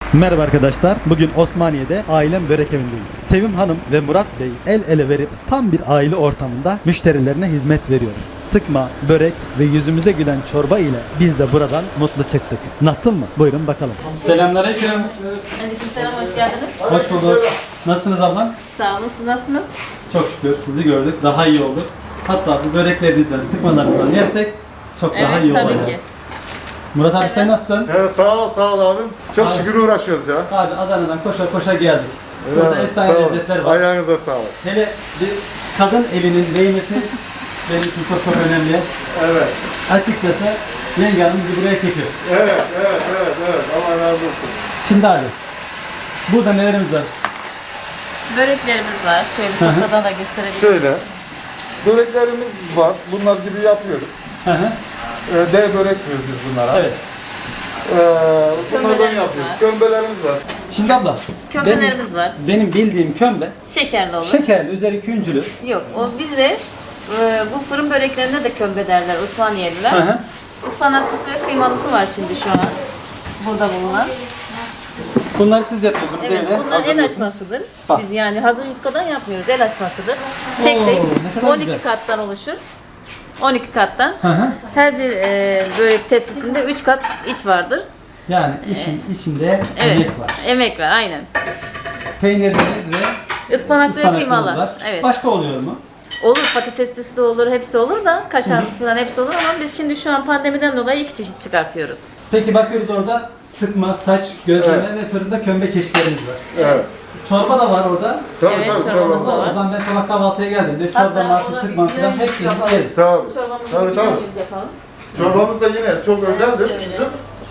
Merhaba arkadaşlar. Bugün Osmaniye'de ailem börek evindeyiz. Sevim Hanım ve Murat Bey el ele verip tam bir aile ortamında müşterilerine hizmet veriyor. Sıkma, börek ve yüzümüze gülen çorba ile biz de buradan mutlu çıktık. Nasıl mı? Buyurun bakalım. Selamünaleyküm. Aleykümselam, hoş geldiniz. Hoş bulduk. Nasılsınız ablam? Sağ olun, siz nasılsınız? Çok şükür sizi gördük. Daha iyi olduk. Hatta bu böreklerinizden, sıkmalarınızdan yersek çok daha iyi tabii olacağız. ki. Murat abi sen nasılsın? Evet, sağ ol abim. Çok Abi. şükür uğraşıyoruz ya. Abi Adana'dan koşa koşa geldik. Burada Evet, efsane sağ ol. lezzetler var. Ayağınıza sağlık. Hele bir kadın elinin değmesi benim için çok çok önemli. Evet. Açıkçası yenge hanım bizi buraya çekiyor. Evet. Allah razı olsun. Şimdi abi, burada nelerimiz var? Böreklerimiz var. Şöyle Hı hı. sofradan da gösterebilirim. Şöyle. Böreklerimiz var. Bunlar gibi yapıyoruz. Hı hı. D börek diyoruz biz bunlara. Evet. Bunlardan Kömbelerimiz yapıyoruz. var. Kömbelerimiz var. Şimdi abla, Kömbelerimiz var. benim bildiğim kömbe Şekerli olur. şekerli, üzeri küncülü. Yok, o bizde bu fırın böreklerine de kömbe derler Osmaniyeliler. Hı hı. Ispanaklısı ve kıymalısı var şimdi şu an. Burada bulunan. Bunları siz yapıyorsunuz Evet, değil mi? bunlar el Hazırlıyorsunuz. açmasıdır. Bak. Biz yani hazır yufkadan yapmıyoruz, el açmasıdır. Tek Oo, tek ne kadar 12 güzel. kattan oluşur. 12 kattan. Hı hı. Her bir börek tepsisinde 3 kat iç vardır. Yani işin içinde Evet. emek var. Emek var, aynen. Peynirleriniz ve Ispanaklı ve ıspanaklarınız kıymalı. var. Evet. Başka oluyor mu? Olur, patateslisi de olur, hepsi olur da kaşarlısı falan hepsi olur ama biz şimdi şu an pandemiden dolayı 2 çeşit çıkartıyoruz. Peki bakıyoruz orada sıkma, saç, gözleme Evet. ve fırında kömbe çeşitlerimiz var. Evet. Çorba da var orada. Tabii Evet, tabii. çorbamız da Çorba. var. O zaman ben sabah kahvaltıya geldiğimde Hatta çorba, martı, ona sıkma bir falan yüz hepsini yapalım. yerim. Tabii. Çorbamızı Tabii, tabii. yüz yapalım. Çorbamız da yine çok özeldir bizim.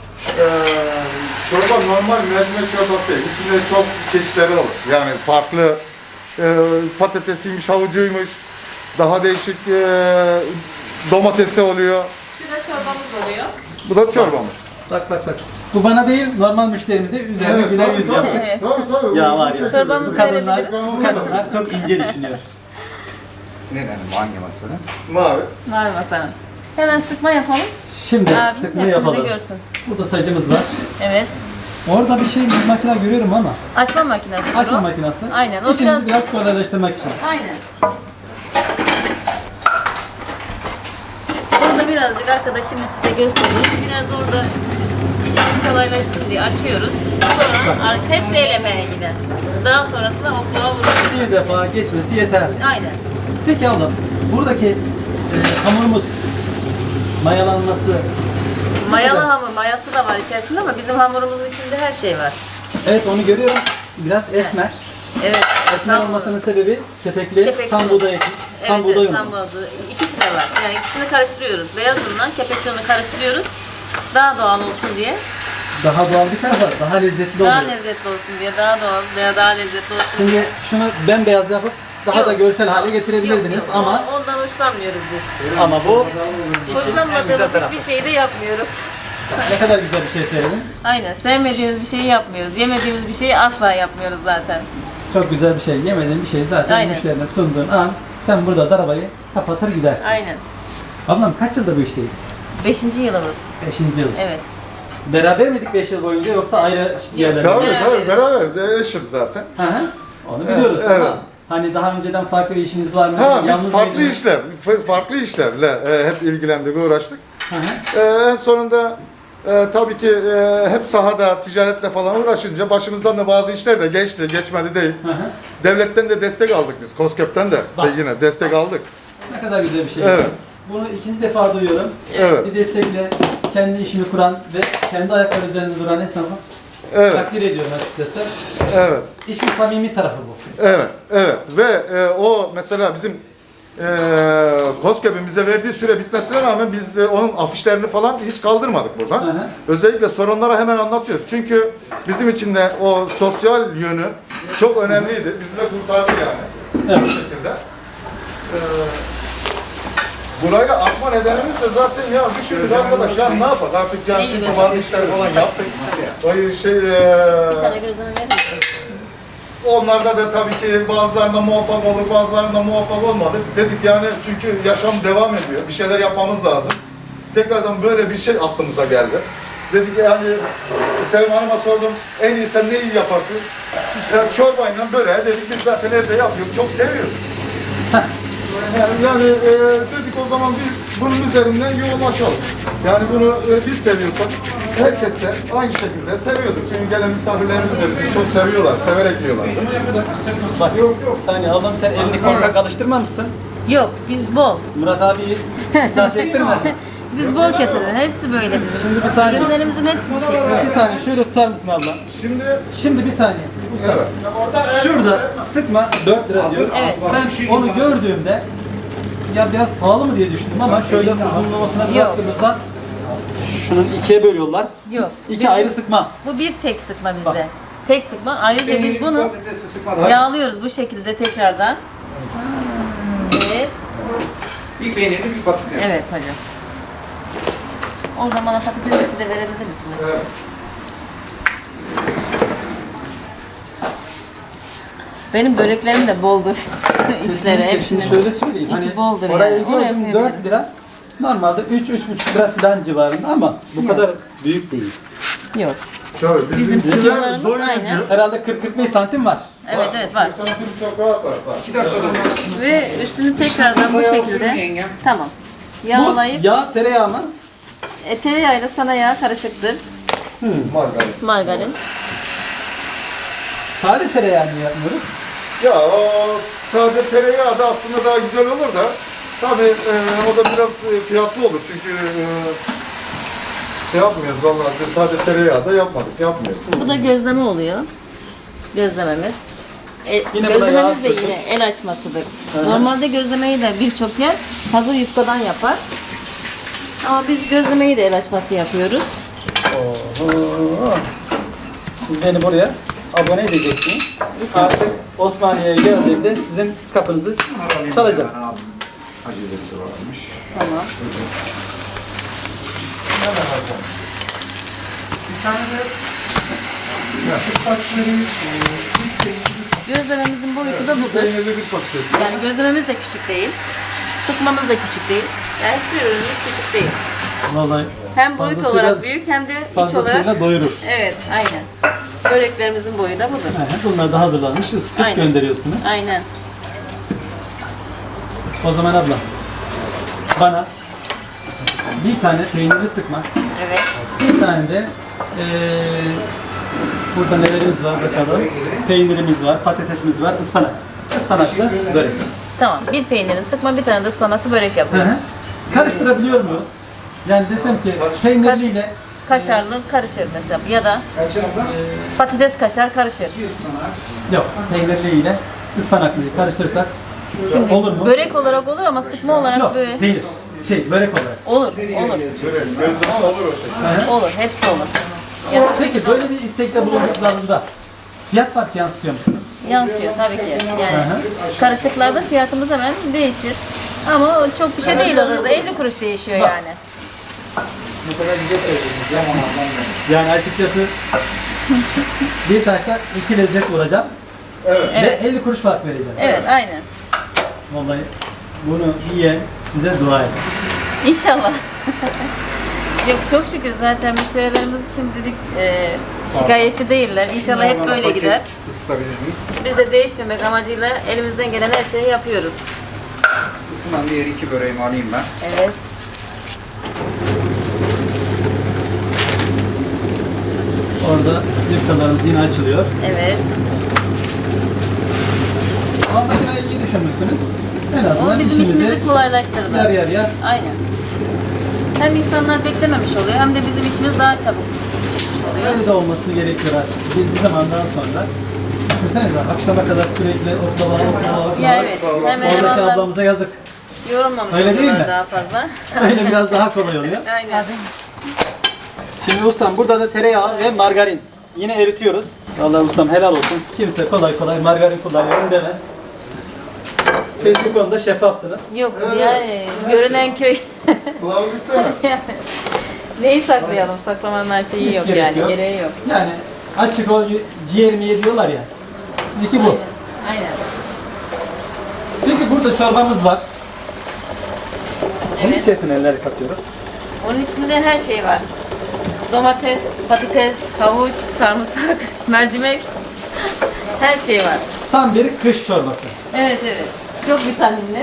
Çorba normal mercimek çorbası değil. İçinde çok çeşitleri olur. Yani farklı patatesiymiş, havucuymuş, daha değişik domatesi oluyor. Şu da çorbamız oluyor. Bu da çorbamız. Bak. Bu bana değil, normal müşterimize üzerine güler yüz yaptık. Evet. Tabii. Ya var ya. Çorbamızı Bu kadınlar, verebiliriz. bu kadınlar çok ince düşünüyor. Neden? Hangi masanın? Mavi. Var masanın. Hemen sıkma yapalım. Şimdi Abi sıkma hepsini de yapalım. görsün. Burada sacımız var. Evet. Orada bir makine görüyorum ama Açma makinesi. açma o. makinesi. Aynen, o İşimizi biraz- biraz kolaylaştırmak için. Aynen. Orada birazcık arkadaşım size göstereyim. Biraz orada işimiz kolaylaşsın diye açıyoruz. Sonra hepsi el emeğe gider. Daha sonrasında okluğa vuruyoruz. Bir defa geçmesi yeterli. Aynen. Peki ablam, buradaki hamurumuz mayalanması. Mayalı hamur, mayası da var içerisinde ama bizim hamurumuzun içinde her şey var. Evet, onu görüyorum. Biraz esmer. Evet. Esmer tam- olmasının sebebi kepekli, Kepekli. tam buğday eti. Tam Evet, buğday evet, unu. tam buğday. İkisi de var. Yani ikisini karıştırıyoruz. Beyaz unla kepekli unu karıştırıyoruz. Daha doğal olsun diye. Daha doğal bir tarafı var. Daha lezzetli oluyor. Daha lezzetli olsun diye. Daha doğal veya daha lezzetli olsun diye. Şimdi şunu bembeyaz yapıp daha da Yok. görsel hale getirebilirdiniz Yok, ama ondan hoşlanmıyoruz biz. ama bu Hoşlanmadığımız hiçbir şeyi de yapmıyoruz. ne kadar güzel bir şey söyledin. Aynen. Sevmediğimiz bir şeyi yapmıyoruz. Yemediğimiz bir şeyi asla yapmıyoruz zaten. Çok güzel bir şey. Yemediğin bir şey zaten Aynen. müşterine sunduğun an sen burada arabayı kapatır gidersin. Aynen. Ablam kaç yıldır bu işteyiz? 5. yılımız. 5. yıl. Evet. Beraber miydik 5 yıl boyunca yoksa ayrı yerlerde? Tabii Beraberiz. beraberiz. Eşim zaten. Hı hı. Onu biliyoruz Evet. ama hani daha önceden farklı bir işiniz var mı? Ha, biz Yalnız farklı mıydınız? farklı işlerle hep ilgilendik, uğraştık. Hı hı. En sonunda tabii ki hep sahada ticaretle falan uğraşınca başımızdan da bazı işler de geçti, geçmedi değil. Hı hı. Devletten de destek aldık biz, KOSGEB'ten de Bak. yine destek aldık. Ne kadar güzel bir şey. Evet. Bunu ikinci defa duyuyorum. Evet. Bir destekle kendi işini kuran ve kendi ayakları üzerinde duran esnafı Evet. takdir ediyorum açıkçası. Evet. İşin samimi tarafı bu. Evet ve o mesela bizim KOSGEB'in bize verdiği süre bitmesine rağmen biz onun afişlerini falan hiç kaldırmadık buradan. Hı hı. Özellikle sorunlara hemen anlatıyoruz. Çünkü bizim için de o sosyal yönü çok önemliydi. Bizi de kurtardı yani. Evet. Bu şekilde. Burayı açma nedenimiz de zaten ya düşündük arkadaş ya ne yapalım artık yani çünkü bazı işler falan yaptık. O şey Bir tane gözleme verir misin? onlarda da tabii ki bazılarında muvaffak olduk, bazılarında muvaffak olmadık. Dedik yani çünkü yaşam devam ediyor. Bir şeyler yapmamız lazım. Tekrardan böyle bir şey aklımıza geldi. Dedik yani Sevim Hanım'a sordum, en iyi sen ne iyi yaparsın? Yani çorbayla böreği dedik biz zaten evde yapıyoruz, çok seviyoruz. Yani dedik o zaman biz bunun üzerinden yoğunlaşalım. Yani bunu biz seviyorsak herkes de aynı şekilde seviyordur. Çünkü gelen misafirlerimiz de bizi çok seviyorlar, severek yiyorlar. Bak yok yok. Saniye ablam sen elini korkak alıştırmamışsın. Yok, biz bol. Murat abiyi nasıl ettirmedin? Biz bol keselim. Hepsi böyle bizim. Şimdi bir saniye. Ürünlerimizin hepsi bu şekilde. Bir saniye şöyle tutar mısın abla? Şimdi bir saniye. Evet. Şurada sıkma 4 lira diyor. Evet. Ben onu gördüğümde ya biraz pahalı mı diye düşündüm ama şöyle uzunlamasına bir Yok. baktığımızda şunun ikiye bölüyorlar. Yok. İki Bizim- ayrı sıkma. Bu bir tek sıkma bizde. Tek sıkma. Ayrıca biz bunu Patatesi sıkmadan yağlıyoruz bu şekilde tekrardan. Evet. bir peynirli bir patates. Evet hocam. O zaman o patates içi de verebilir misiniz? Evet. Benim böreklerim de boldur. İçleri Kesinlikle. hepsinin. Şimdi şöyle söyleyeyim. İçi boldur orayı yani. Oraya gördüm koyabiliriz. 4 lira. Normalde 3-3,5 lira falan civarında ama bu kadar büyük değil. Yok. Tabii, Bizim sizler sıkmalarımız doyurucu. aynı. Herhalde 40-45 santim var. Evet evet var. Santim çok rahat var. 2 dakikada Ve üstünü tekrardan bu Masaya şekilde. oturun yengem. Tamam. Bu Yağlayıp yağ tereyağı mı? tereyağıyla sana yağ karışıktır. Margarin. Margarin. Sade tereyağı mı yapmıyoruz? Ya o sade tereyağı da aslında daha güzel olur da tabii o da biraz fiyatlı olur çünkü şey yapmıyoruz vallahi sade tereyağı da yapmıyoruz. Bu da gözleme oluyor. Gözlememiz. Yine bu da Gözlememiz de yağ yine el açmasıdır. Normalde gözlemeyi de birçok yer hazır yufkadan yapar. Ama biz gözlemeyi de el açması yapıyoruz. Oho. Siz beni buraya abone edeceksiniz. Artık Osmaniye'ye geldiğimde sizin kapınızı çalacağım. Acelesi varmış. Tamam. Gözlememizin boyutu da budur. Peynirli bir patates. Yani gözlememiz de küçük değil. Sıkmamız da küçük değil. Yani hiçbir ürünümüz küçük değil. Vallahi Hem boyut fazlasıyla- olarak büyük hem de iç olarak. fazlasıyla doyurur. Evet, aynen. Böreklerimizin boyu da budur. Bunlar da hazırlanmış, ısıtıp Aynen. gönderiyorsunuz. Aynen. O zaman abla, bana bir tane peynirli sıkma, Evet. bir tane de burada nelerimiz var bakalım. Peynirimiz var, patatesimiz var, ıspanak. Ispanaklı börek. Tamam. Bir peynirin sıkma, bir tane de ıspanaklı börek Hı yapıyoruz. hı. Karıştırabiliyor muyuz? Yani desem ki peynirliyle Kaşarlı karışır mesela ya da Kaçın abla? patates kaşar karışır. yok, peynirliyle ıspanaklıyı karıştırırsak Şimdi olur mu? börek olarak olur ama sıkma olarak Yok, böyle peynir. Börek olarak. olur. Olur. Gözleme olur o şekilde. Olur. Hepsi olur. Yani Peki böyle bir istekte bulunduklarında fiyat farkı yansıtıyor musunuz? yansıyor tabii ki. Yani Hı karışıklarda fiyatımız hemen değişir. Ama çok bir şey değil o da 50 kuruş değişiyor yani. Ne kadar güzel söylediniz ya. Yani açıkçası bir taşta iki lezzet vuracağım Evet. Evet. ve 50 kuruş fark vereceğim. Evet, aynen. Vallahi bunu yiyen size dua eder. İnşallah. Yok çok şükür zaten müşterilerimiz şimdilik şikayetçi değiller. İnşallah hep böyle Paket gider. Isıtabilir miyiz? Biz de değişmemek amacıyla elimizden gelen her şeyi yapıyoruz. Isınan diğer 2 böreğimi alayım ben. Evet. Orada yufkalarımız yine açılıyor. Evet. Ama makineyi iyi düşünmüşsünüz. En O azından bizim işimizi işimizi kolaylaştırdı. yer yer yer. Aynen. Hem insanlar beklememiş oluyor hem de bizim işimiz daha çabuk çıkmış oluyor. Öyle de olması gerekiyor artık. Bir zamandan sonra. Düşünsenize akşama kadar sürekli oklava. Ya evet. Hem Oradaki elemanlar ablamıza yazık. yorulmamış Öyle değil oluyorlar mi? daha fazla. Öyle biraz daha kolay oluyor. Aynen. Şimdi ustam burada da tereyağı ve margarin. Yine eritiyoruz. Vallahi ustam helal olsun. Kimse kolay kolay margarin kullanıyorum demez. Siz bu konuda şeffafsınız. Yok yani görünen köy. Kılavuz istemez. Yani neyi saklayalım? Saklamanın her şeyi Hiç yok gerek yani. yok. Gereği yok. Yani açık ol ciğerimi ye diyorlar ya. Sizinki bu. Aynen. Peki burada çorbamız var. Bunun Evet. içerisine neler katıyoruz? Onun içinde her şey var. Domates, patates, havuç, sarımsak, mercimek. Her şey var. Tam bir kış çorbası. Evet evet. Çok vitaminli.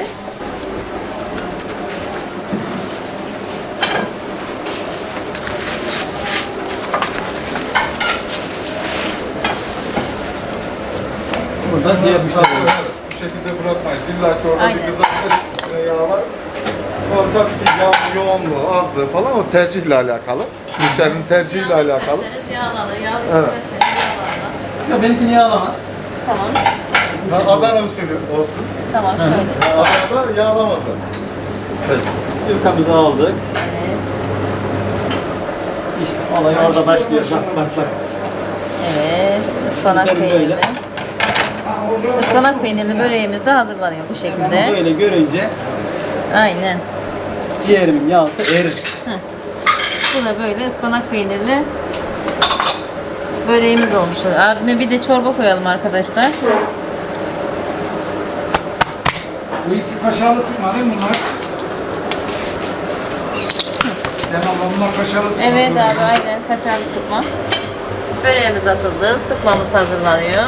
Burada diğer müşteriler. Bu şekilde bırakmayız. İlla ki orada Aynen. bir kızartır, üstüne yağ var. O tabii ki yağ yoğunluğu, azlığı falan o tercihle alakalı. Müşterinin tercihiyle alakalı. İsterseniz yağlanır, yağlı Evet. isterseniz yağlanmaz. Ya benimkini yağlama. Tamam. Adana usulü olsun. Tamam şöyle. Adana'da yağlamazlar. Peki. Yufkamızı aldık. Evet. İşte olay orada başlıyor. Bak bak bak. Evet. Ispanak Böyle. peynirli. Ispanak peynirli böreğimiz de hazırlanıyor bu şekilde. Böyle görünce Aynen. ciğerimin yağısı erir. Bu da böyle ıspanak peynirli böreğimiz olmuş. Abime bir de çorba koyalım arkadaşlar. Bu iki kaşarlı sıkma değil mi bunlar? Sen abla bunlar kaşarlı sıkma. Evet abi aynen kaşarlı sıkma. Böreğimiz atıldı. Sıkmamız hazırlanıyor.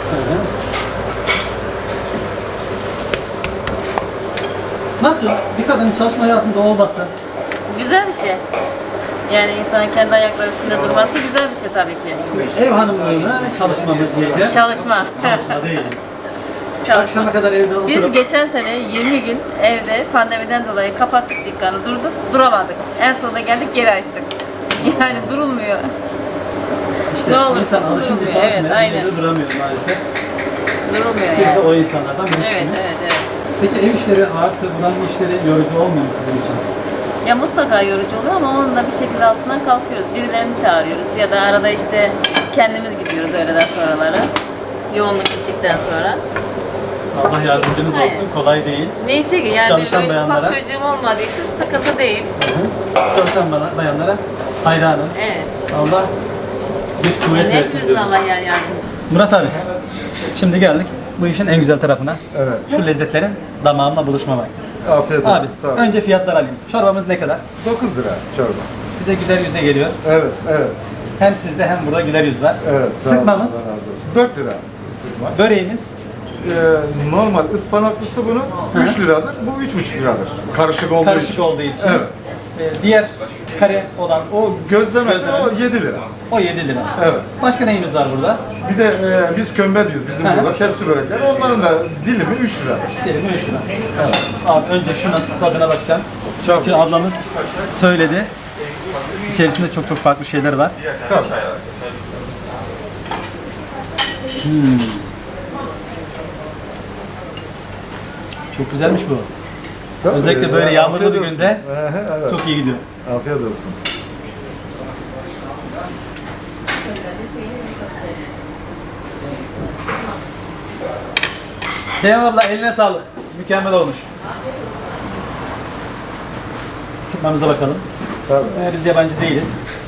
Nasıl? Bir kadının çalışma hayatında olması. Güzel bir şey. Yani insanın kendi ayakları üstünde durması güzel bir şey tabii ki. Ev hanımlığına çalışmamız gerekiyor. Çalışma. Çalışma değil. Çalışma. Akşama kadar evde Biz oturup geçen sene 20 gün evde pandemiden dolayı kapattık dükkanı, durduk, duramadık. En sonunda geldik geri açtık. Yani durulmuyor. işte ne olursa insan olsun alışınca durmuyor. çalışmıyor. Evet, aynen. Evde duramıyor maalesef. Durulmuyor Siz de yani. o insanlardan birisiniz. Evet, evet, evet. Peki ev işleri artı buranın işleri yorucu olmuyor mu sizin için? Ya mutlaka yorucu oluyor ama onun da bir şekilde altından kalkıyoruz. Birilerini çağırıyoruz ya da arada işte kendimiz gidiyoruz öğleden sonraları. Yoğunluk bittikten sonra. Allah yardımcınız Aynen. olsun. Kolay değil. Neyse ki yani Çalışan böyle ufak bayanlara. çocuğum olmadığı için sıkıntı değil. Çalışan bayanlara hayranım. Evet. Allah güç kuvvet versin Hepimizin diyorum. Allah yer yardım. Murat abi, şimdi geldik bu işin en güzel tarafına. Evet. Şu lezzetlerin damağımla buluşma vakti. Afiyet olsun. Abi, Tamam. önce fiyatlar alayım. Çorbamız ne kadar? 9 lira çorba. Bize güler yüze geliyor. Evet, evet. Hem sizde hem burada güler yüz var. Evet. sağ olun, Sıkmamız, Allah razı olsun. 4 lira sıkma. böreğimiz, Normal ıspanaklısı bunun 3 liradır. Bu 3,5 liradır. Karışık olduğu karışık için. olduğu için. Evet. Diğer kare olan O gözleme Gözleme. o 7 lira. o 7 lira. Evet. Başka neyimiz var burada? Bir de biz kömbe diyoruz bizim Hı. burada tepsi börekler. Onların da dilimi 3 lira. Dilimi 3 lira. Evet. Abi önce şunun tadına bakacağım. Çok. Çünkü ablamız söyledi. İçerisinde çok farklı şeyler var. Tabii. Çok güzelmiş bu. Tabii. Özellikle böyle yağmurlu Afiyet bir olsun. günde Evet. çok iyi gidiyor. Afiyet olsun. Seyhan abla eline sağlık. Mükemmel olmuş. Sıkmamıza bakalım. Tabii. Biz yabancı değiliz.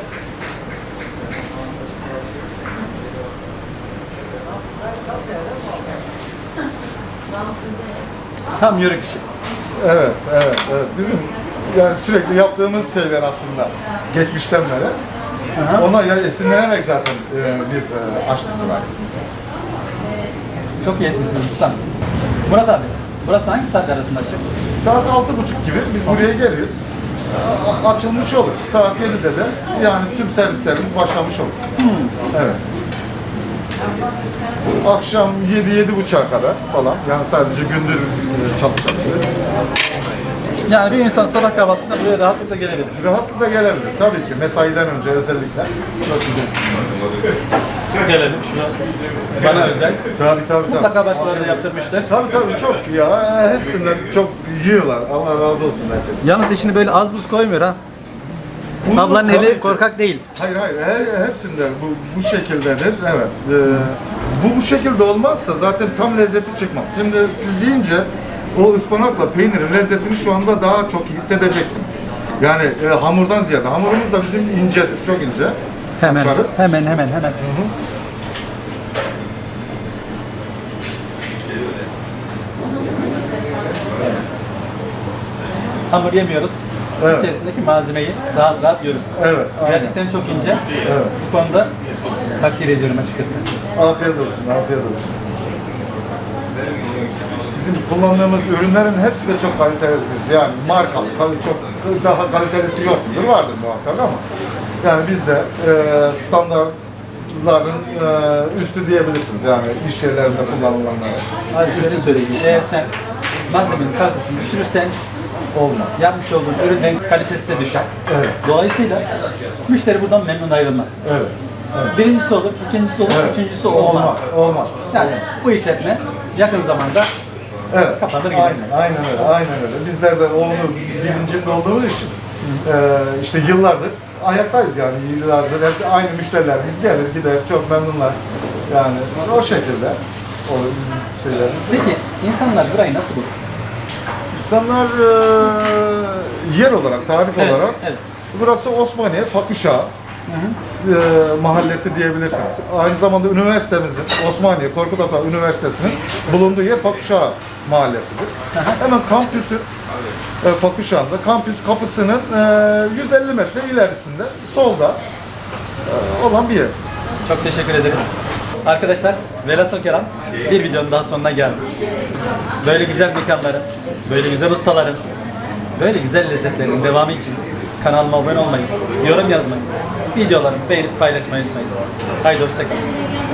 Tam yörük işi. Evet, evet, evet. Bizim yani sürekli yaptığımız şeyler aslında geçmişten beri. Ona yani esinlenerek zaten biz açtık burayı. Çok iyi etmişsiniz ustam. Murat abi, burası hangi saat arasında açık? Saat 6.30 gibi biz buraya geliyoruz. Açılmış olur. Saat 7'de de yani tüm servislerimiz başlamış olur. Evet. Akşam 7-7.30'a kadar falan. Yani sadece gündüz çalışabiliriz. Yani bir insan sabah kahvaltısında buraya rahatlıkla gelebilir. Rahatlıkla gelebilir. Tabii ki mesaiden önce özellikle. Çok güzel. Gelelim şuna. Bana özel. Tabii. Mutlaka başkaları da yaptırmıştır. Tabii çok ya. Hepsinden çok yiyorlar. Allah razı olsun herkes. Yalnız içini böyle az buz koymuyor ha. Bunu Ablanın tabii eli ki- korkak değil. Hayır. Hepsinde bu şekildedir. Evet. Bu şekilde olmazsa zaten tam lezzeti çıkmaz. Şimdi siz yiyince o ıspanakla peynirin lezzetini şu anda daha çok hissedeceksiniz. Yani hamurdan ziyade. Hamurumuz da bizim incedir. Çok ince. Açarız. Hemen. Hamur yemiyoruz. Evet. içerisindeki malzemeyi rahat rahat yiyoruz. Evet, aynen. Gerçekten çok ince. Evet. Bu konuda takdir ediyorum açıkçası. Afiyet olsun, afiyet olsun. Bizim kullandığımız ürünlerin hepsi de çok kalitelidir. Yani markalı, çok daha kalitelisi yoktur, vardır muhakkak ama yani biz de standartların üstü diyebilirsiniz yani iş yerlerinde kullanılanlara. Hadi şöyle söyleyeyim. Eğer sen malzemenin kalitesini düşürürsen olmaz. Yapmış olduğun ürünün kalitesi de düşer. Evet. Dolayısıyla müşteri buradan memnun ayrılmaz. Evet. Birincisi olur, ikincisi olur, Evet. üçüncüsü olmaz. Olmaz. Yani bu işletme yakın zamanda Evet. kapanır gider. Aynen öyle, aynen öyle. Bizler de onu bilincinde olduğumuz için işte yıllardır ayaktayız yani yıllardır hep aynı müşterilerimiz gelir gider çok memnunlar yani o şekilde o bizim şeylerimiz. Peki insanlar burayı nasıl bulur? İnsanlar yer olarak, tarif Evet, olarak evet. burası Osmaniye Fakuşa mahallesi diyebilirsiniz. Aynı zamanda üniversitemizin, Osmaniye Korkut Ata Üniversitesi'nin bulunduğu yer Fakuşa mahallesidir. Hemen kampüsün Fakuşan'da, kampüs kapısının 150 metre ilerisinde, solda olan bir yer. Çok teşekkür ederiz. Arkadaşlar velhasıl kelam bir videonun daha sonuna geldik. Böyle güzel mekanların, böyle güzel ustaların, böyle güzel lezzetlerin devamı için kanalıma abone olmayı, yorum yazmayı, videolarımı beğenip paylaşmayı unutmayın. Haydi hoşçakalın.